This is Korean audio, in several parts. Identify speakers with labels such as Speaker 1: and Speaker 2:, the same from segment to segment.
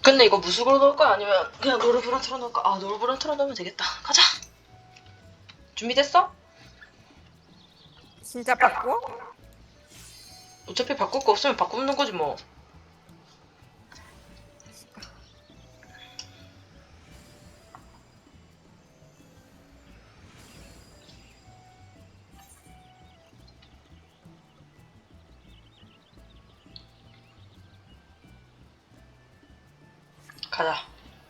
Speaker 1: 근데 이거 무수으로 넣을 거야? 아니면 그냥 노르브랑 틀어놓을까? 아, 노르브랑 틀어놓으면 되겠다. 가자! 준비됐어?
Speaker 2: 진짜 바꿔?
Speaker 1: 어차피 바꿀 거 없으면 바꾸는 거지 뭐. 가자.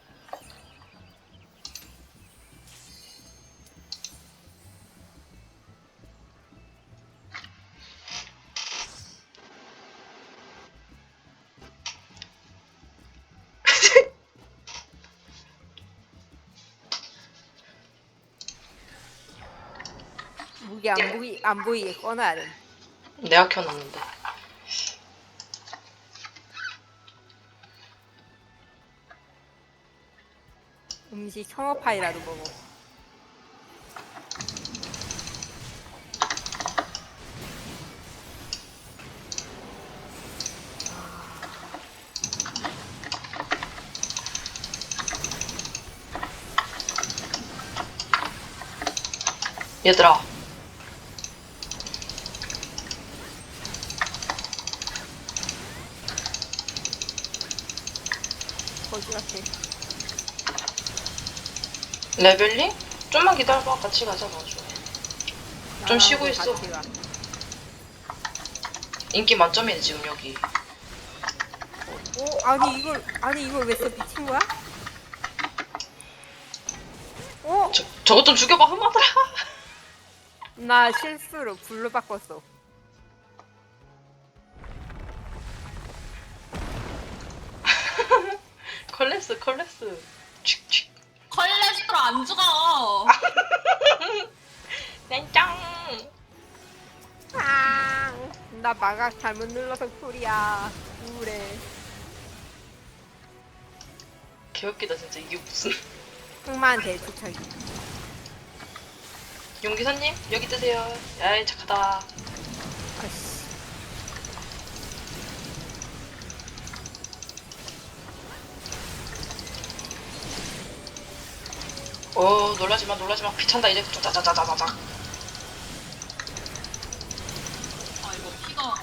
Speaker 2: 무기 안 보이게 꺼놔야 돼.
Speaker 1: 내가 켜놨는데.
Speaker 2: 음식 청어파이라도 먹어.
Speaker 1: 얘들아.
Speaker 2: 거지 같아.
Speaker 1: 레벨링? 좀만 기다려봐. 같이 가자, 나중에. 좀 쉬고
Speaker 2: 나랑도
Speaker 1: 있어.
Speaker 2: 같이 가.
Speaker 1: 인기 만점이네, 지금 여기.
Speaker 2: 아니 이걸 왜 써? 미친 거야?
Speaker 1: 저것 좀 죽여봐, 흠하더라.
Speaker 2: 나 실수로 불로 바꿨어.
Speaker 1: 컬렉스. 칙칙.
Speaker 3: 컬레스테롤 안 죽어.
Speaker 1: 땡짱.
Speaker 2: 나 마각 잘못 눌러서 쿨이야. 우울해.
Speaker 1: 개웃기다, 진짜. 이게 무슨.
Speaker 2: 흑만 대투척이.
Speaker 1: 용기사님, 여기 뜨세요. 야이, 착하다.
Speaker 2: 아씨.
Speaker 1: 놀라지마. 귀찮다, 이제. 짜자자자자자.
Speaker 3: 아 이거 피가 안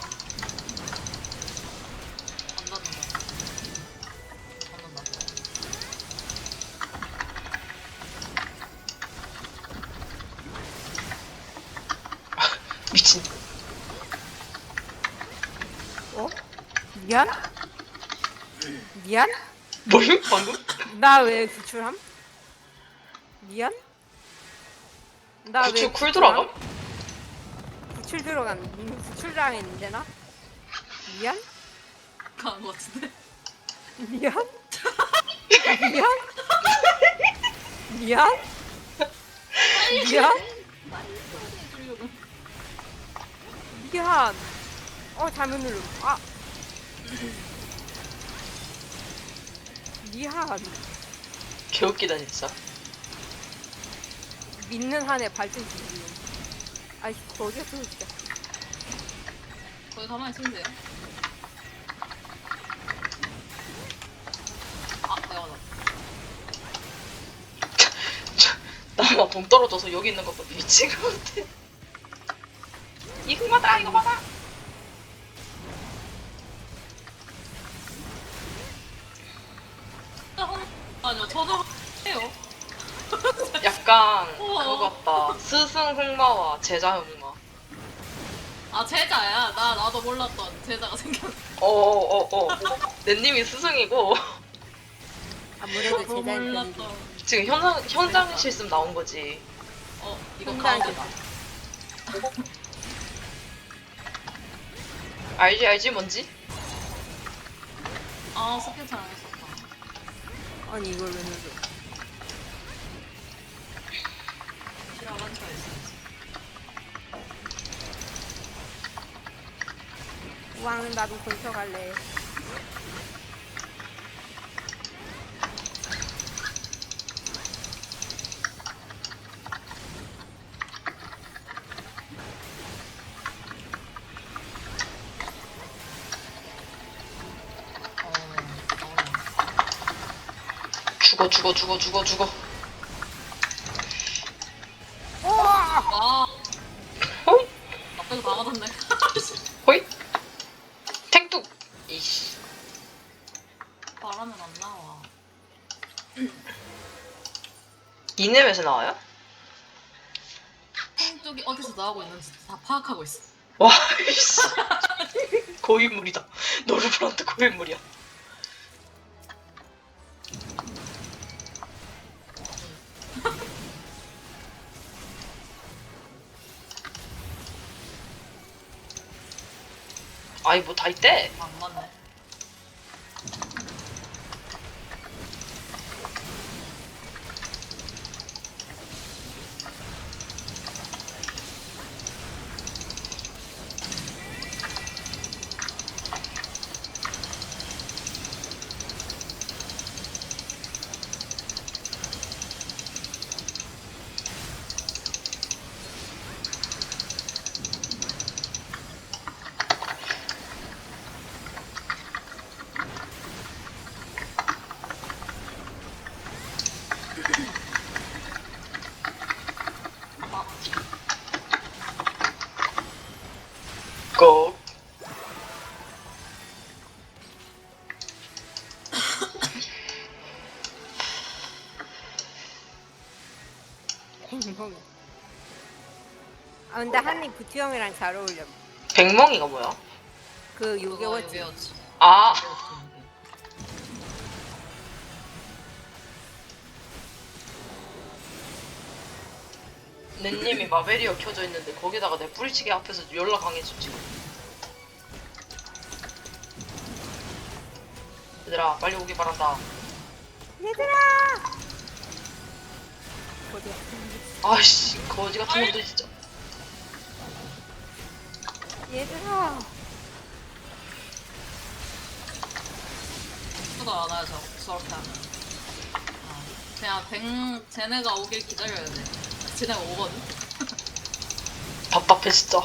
Speaker 3: 났네. 안 났나?
Speaker 1: 미친.
Speaker 2: 미안? 미안?
Speaker 1: 뭐임? 방금?
Speaker 2: 나 왜 구출함? 미안? 나 왜
Speaker 1: 구출 쿨 들어감?
Speaker 2: 구출 들어간 구출 당했는데 나? 미안?
Speaker 3: 강한 것 같은데.
Speaker 2: 미안? 미안? 미안? 미안? 미안. 잘못 누름. 미안.
Speaker 1: 개웃기다, 진짜.
Speaker 2: 믿는 한에 발전 지금. 아이씨, 어디갔어, 진짜.
Speaker 3: 거기 가만히 있으면 돼요. 아 내가
Speaker 1: 나만 동 떨어져서 여기 있는 것도 미친 것 같아. 이 흑마다, 이거 받아!
Speaker 3: 아니요 저도 해요.
Speaker 1: 약간
Speaker 3: 우와.
Speaker 1: 그거 같다. 스승 흑마와 제자 흑마.
Speaker 3: 아 제자야. 나도 몰랐던 제자가 생겼어.
Speaker 1: 넷님이 스승이고
Speaker 2: 아무래도
Speaker 3: 너무
Speaker 2: 제자인 편이지.
Speaker 3: 몰랐던.
Speaker 1: 지금 현장 실습 나온 거지.
Speaker 3: 이거
Speaker 2: 현장
Speaker 3: 가운데다.
Speaker 1: 알지 뭔지?
Speaker 3: 아 스킨 잘 안 했었다.
Speaker 2: 아니, 이걸 왜 눌러?
Speaker 3: 시라고 한 차에 있어야지.
Speaker 2: 왕, 나도 근처 갈래.
Speaker 1: 죽어.
Speaker 3: 와,
Speaker 1: 호이
Speaker 3: 나쁘게 다 맞았네.
Speaker 1: 호이 탱뚝. 이씨.
Speaker 3: 바람은 안 나와.
Speaker 1: 이nem에서 나와요?
Speaker 3: 쪽이 어디서 나오고 있는지 다 파악하고 있어.
Speaker 1: 와 이씨. 고인물이다. 노르브란트 고인물이야. 아이 뭐 다 있대.
Speaker 3: 안 맞네.
Speaker 1: 고.
Speaker 2: 뱅멍이. 아 근데 한님 구투형이랑 잘 어울려.
Speaker 1: 백멍이가 뭐야?
Speaker 2: 그
Speaker 3: 그거
Speaker 2: 요괴워치.
Speaker 3: 요괴워치.
Speaker 1: 아 넷님이 마베리어 켜져 있는데 거기다가 내 뿌리치기 앞에서 연락 강해져 지금. 얘들아 빨리 오기 바란다.
Speaker 2: 얘들아. 어디야?
Speaker 1: 아이씨 거지 같은 놈들 진짜.
Speaker 2: 얘들아.
Speaker 3: 수가 안 와요, 저렇게 하면. 그냥 쟤네가 오길 기다려야 돼. 쟤네가 오거든?
Speaker 1: 답답해 진짜.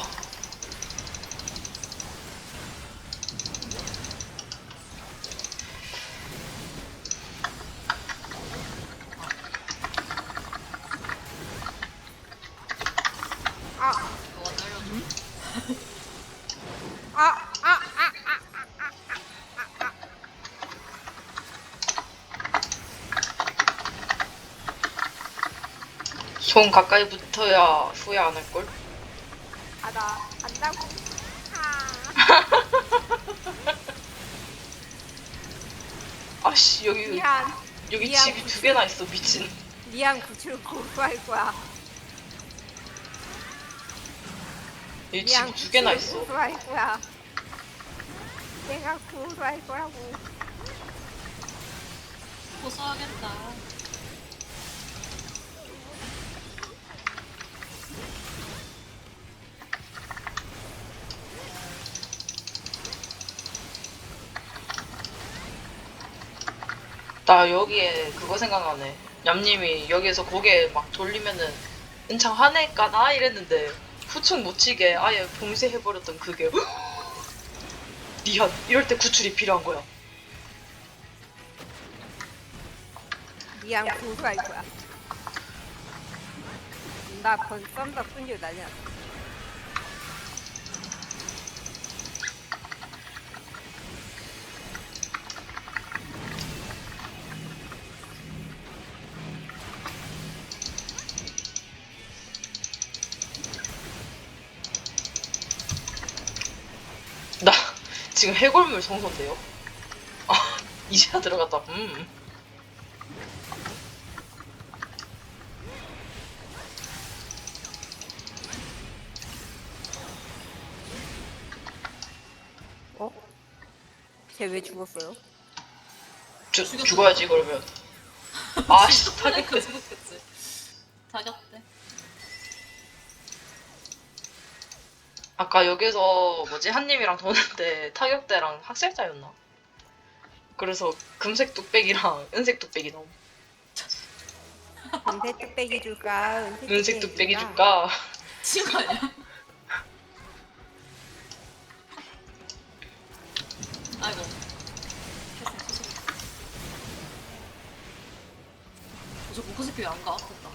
Speaker 2: 아.
Speaker 3: 너가 때려줘.
Speaker 1: 손 가까이 붙어야 후회 안 할걸?
Speaker 2: 나 안다고.
Speaker 1: 아씨 여기
Speaker 2: 미안.
Speaker 1: 여기
Speaker 2: 미안.
Speaker 1: 집이 두 개나 있어 미친.
Speaker 2: 미안 구출 고소할 거야.
Speaker 1: 여기
Speaker 2: 미안
Speaker 1: 집이 두 개나
Speaker 2: 구출
Speaker 1: 있어.
Speaker 2: 고소할 거야. 내가 고소할 거라고.
Speaker 3: 고소하겠다.
Speaker 1: 나 여기에 그거 생각나네. 얌님이 여기에서 고개 막 돌리면은 은창 화낼까나 이랬는데 후충 못 치게 아예 봉쇄해버렸던 그게 니한 이럴 때 구출이 필요한 거야.
Speaker 2: 미안 고소할 거야. 나 썬더 끈질 난리 났어.
Speaker 1: 나 지금 해골물 성소인데요. 아 이제야 들어갔다.
Speaker 2: 어? 쟤 왜 죽었어요?
Speaker 1: 죽어야지 그러면. 아씨 타격대.
Speaker 3: 죽었겠지. 타격대.
Speaker 1: 아까 여기서 뭐지 한님이랑 도는데 타격대랑 학살자였나? 그래서 금색 뚝배기랑 은색 뚝배기 넣음.
Speaker 2: 은색 뚝배기 줄까?
Speaker 1: 은색 뚝배기 줄까?
Speaker 3: 친구 아니야? 아이고. 어차피 안 가. 됐다.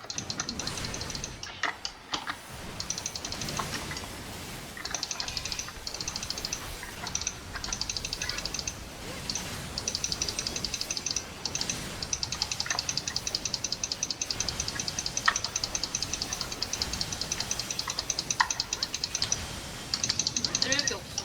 Speaker 3: 때릴 게 없어.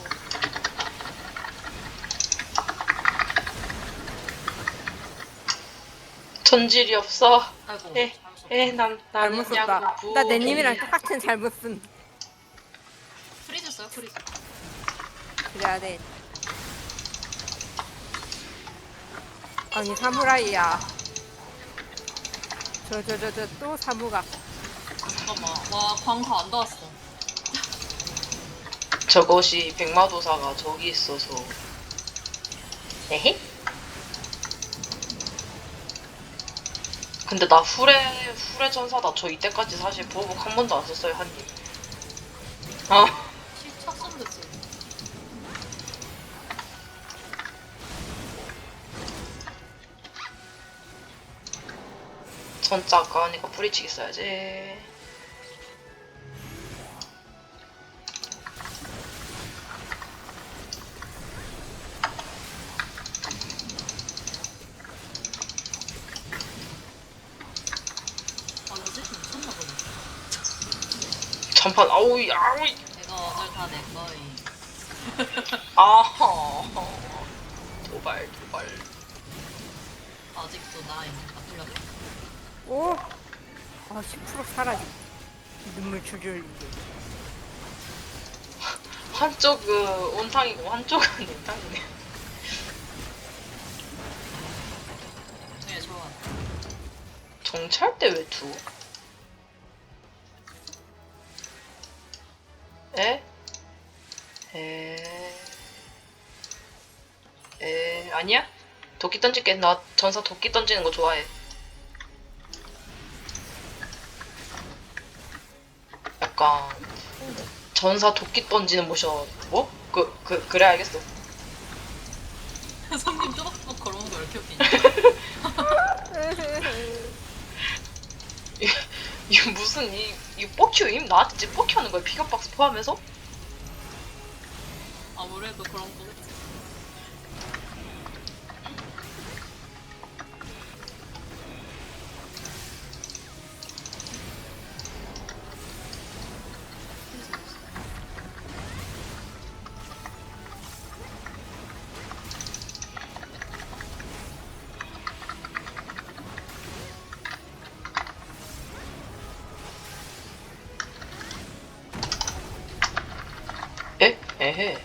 Speaker 1: 전질이 없어.
Speaker 3: 아이고.
Speaker 1: 에,
Speaker 3: 잘못
Speaker 1: 나는
Speaker 2: 잘못 썼다.
Speaker 1: 야구
Speaker 2: 나 내님이랑 똑같은 잘못 쓴.
Speaker 3: 프리즈 써요, 프리즈.
Speaker 2: 그래야 돼. 아니 사무라이야. 저 또 사무가.
Speaker 3: 잠깐만. 와, 광고 안 닿았어.
Speaker 1: 저것이 백마도사가 저기 있어서. 에헤? 근데 나 후레 전사다. 저 이때까지 사실 보호복 한 번도 안 썼어요, 한 입. 아,
Speaker 3: 실착 쓰면 되지.
Speaker 1: 전자 아까우니까 뿌리치기 써야지.
Speaker 3: 아, 뭐지? 미쳤나 보네.
Speaker 1: 전판 아우이 아우이
Speaker 3: 내가 오늘 다 내 거임.
Speaker 1: 아하 도발
Speaker 3: 아직도 나임. 아플려고.
Speaker 2: 오. 10% 사라지. 눈물 줄줄 흘리게.
Speaker 1: 한쪽은 온탕이고 한쪽은 냉탕이네.
Speaker 3: 네, 좋아.
Speaker 1: 정찰 때 왜 두? 에? 아니야? 도끼 던질게. 나 전사 도끼 던지는 거 좋아해. 약간 전사 도끼 던지는 모션 뭐? 그래 알겠어.
Speaker 3: 손님 또박또박 걸어오는 거 왜 이렇게 웃기냐?
Speaker 1: 이거 무슨 이 뻑큐임? 나한테 지금 뻑큐하는 거야? 피겨박스 포함해서?
Speaker 3: 아무래도 그런 거겠지.
Speaker 1: 에? 에헤.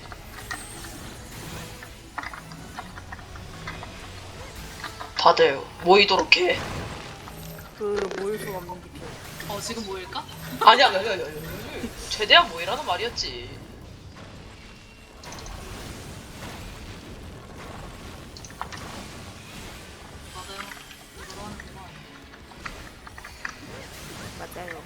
Speaker 1: 다들 모이도록 해.
Speaker 2: 모일 수가 없는 기표.
Speaker 3: 지금 모일까?
Speaker 1: 아니야. 최대한 모이라는 말이었지.
Speaker 3: 맞아요. 이거로 하는구나.
Speaker 2: 맞아요.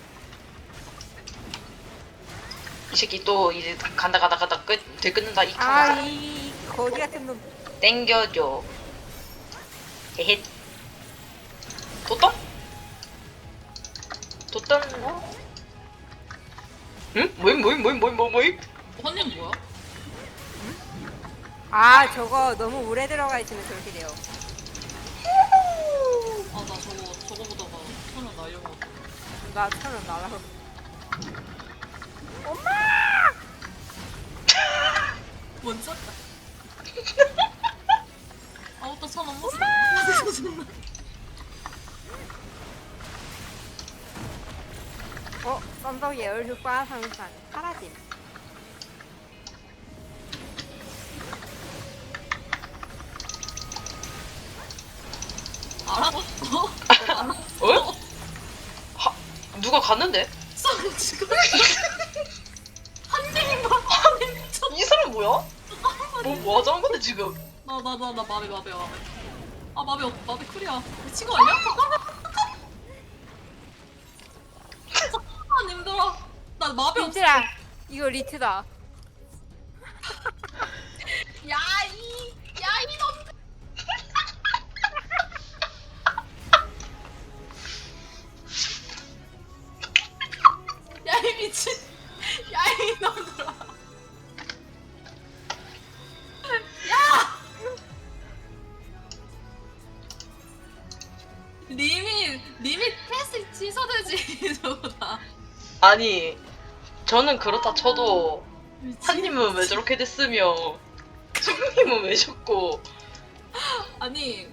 Speaker 1: 이 새끼 또 이제 가다 들끓는다 이 카마.
Speaker 2: 이 거지 같은 놈.
Speaker 1: 땡겨줘. 에헷. 도떤? 응? 모임?
Speaker 3: 헌님 뭐야?
Speaker 2: 저거 너무 오래 들어가 있으면 그렇게 돼요.
Speaker 3: 아, 나 저거 보다가 손을 날려먹었다.
Speaker 2: 나 1,000원 날아서.
Speaker 3: 뭔지 알까? 아무것도 손 안 봤어.
Speaker 2: 썬더 예열 효과 상상. 사라짐.
Speaker 3: 알아봤어?
Speaker 1: 어? 누가 갔는데?
Speaker 3: 쌍 지금 한님이 미쳤.
Speaker 1: 이 사람 뭐야? 뭐 하자는 건데 지금?
Speaker 3: 나 마비. 아, 마비 쿨이야. 미친 거 아니야? 잠깐만, 힘들어. 나 마비 없어.
Speaker 2: 민트라, 이거 리트다.
Speaker 3: 야, 이 놈들.
Speaker 1: 아니 저는 그렇다 쳐도
Speaker 3: 미친.
Speaker 1: 한님은 왜 저렇게 됐으며 성님은 왜 저고
Speaker 3: 아니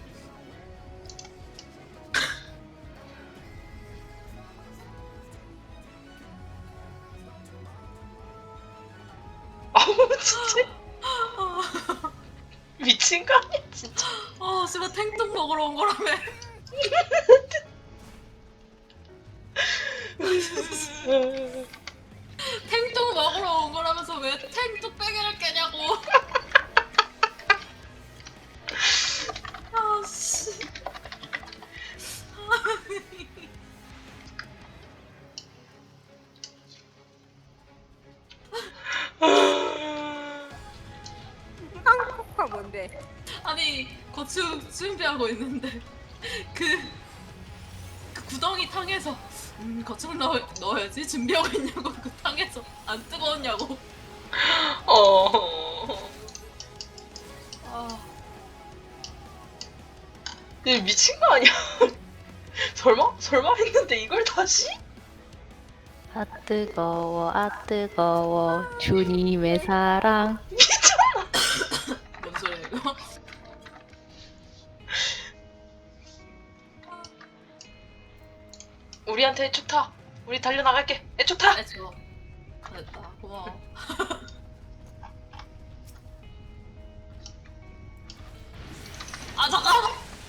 Speaker 1: 아우 진짜 미친 거 아니야 진짜.
Speaker 3: 씨발 탱뚱 먹으러 온 거라며. 탱뚱 먹으러 온 거라면서 왜 탱뚝배기를 깨냐고. 아씨.
Speaker 2: 한국화 뭔데?
Speaker 3: 아니 고추 준비하고 있는데 그, 그 구덩이 탕에서 거충 넣어야지 준비하고 있냐고. 그 탕에서 안 뜨거웠냐고. 아
Speaker 1: 얘 미친 거 아니야? 설마 했는데 이걸 다시?
Speaker 4: 아 뜨거워 주님의 사랑.
Speaker 3: 뭔 소리야 이거.
Speaker 1: 우리한테 애축 타. 우리 달려나갈게. 애축 타.
Speaker 3: 네, 좋아. 됐다. 고마워. 아 잠깐만.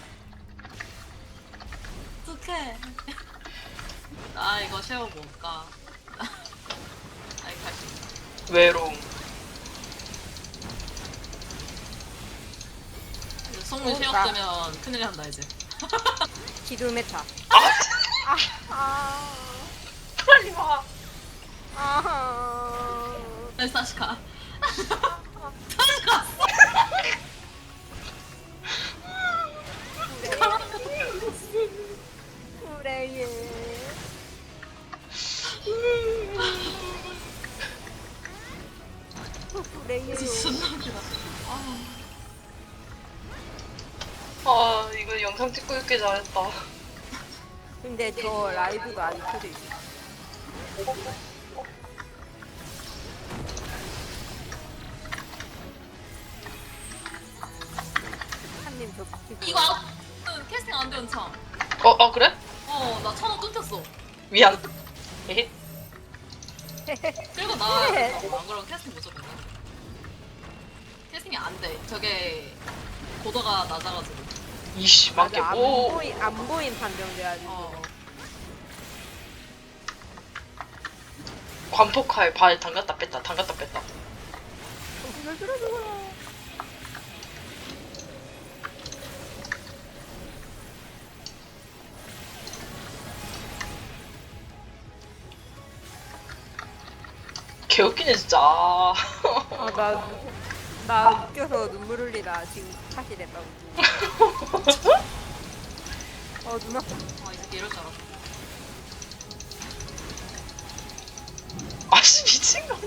Speaker 3: 어떡해. 나 이거 쉐어 못 가. 아이 갈수 있어.
Speaker 1: 외로움.
Speaker 3: 성문 쉐어
Speaker 2: 나-
Speaker 3: 뜨면 큰일 난다 이제.
Speaker 2: 기름에 타. 아.
Speaker 1: 빨리 와.
Speaker 2: 아.
Speaker 3: 네, 다시 가.
Speaker 2: 그래 얘. 그래 얘.
Speaker 3: 진짜 존나 웃기다.
Speaker 1: 아 이거 영상 찍고 있길 잘했다.
Speaker 2: 근데 저 라이브가 안 켜져 있어. 한님 저 기분.
Speaker 3: 이거 아웃 캐스팅 안 되는 참.
Speaker 1: 그래?
Speaker 3: 나 천원 끊겼어.
Speaker 1: 미안. 에헤.
Speaker 3: 그리고 나 안 그러면 캐스팅 못 잡겠네. 캐스팅이 안 돼. 저게 고도가 낮아가지고.
Speaker 1: 이씨 맞게
Speaker 2: 맞아,
Speaker 1: 뭐.
Speaker 2: 안 보인 판정 돼가지고.
Speaker 1: 관폭할 발 담갔다 뺐다 담갔다 뺐다.
Speaker 2: 정신을 들어주거라.
Speaker 1: 개웃기네 진짜.
Speaker 2: 나 웃겨서 눈물 흘리다 지금 탓이 됐다고. 누나.
Speaker 3: 이 새끼 이럴 줄 알았어.
Speaker 1: 아씨 미친 거 아니야?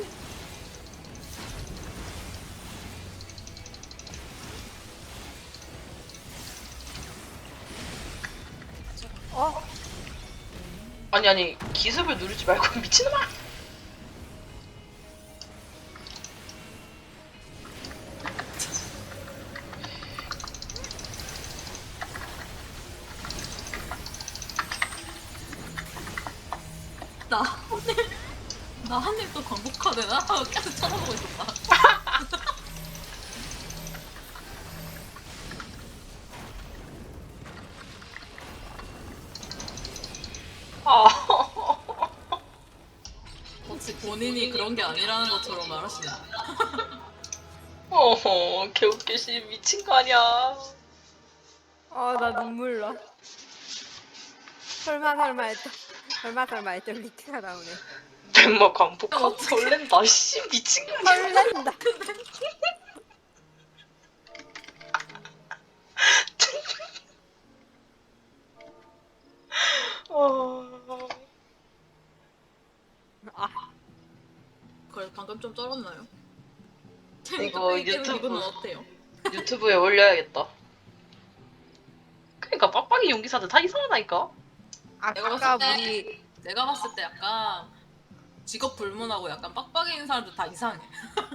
Speaker 1: 아니 기습을 누르지 말고 미친놈아.
Speaker 3: 나 한입 또 광복하되나? 계속 쳐다보고 있었다. 혹시 본인이 그런 게 아니라는 것처럼 말하시네.
Speaker 1: 개웃기시 미친 거 아니야.
Speaker 2: 나 눈물 나. 설마 했던 리트가 나오네.
Speaker 1: 덴마 광폭하고 설렌다. 씨 미친 거 아니야.
Speaker 2: 설렌다.
Speaker 3: 그래 방금 좀 쩔었나요?
Speaker 1: 이거
Speaker 3: 유튜브 기분은 어때요?
Speaker 1: 유튜브에 올려야겠다. 그러니까 빡빡이 용기사들 다 이상하다니까.
Speaker 3: 내가
Speaker 2: 아까
Speaker 3: 봤을 때-
Speaker 2: 우리
Speaker 3: 내가 봤을 때 약간 직업 불문하고 약간 빡빡이인 사람들 다 이상해.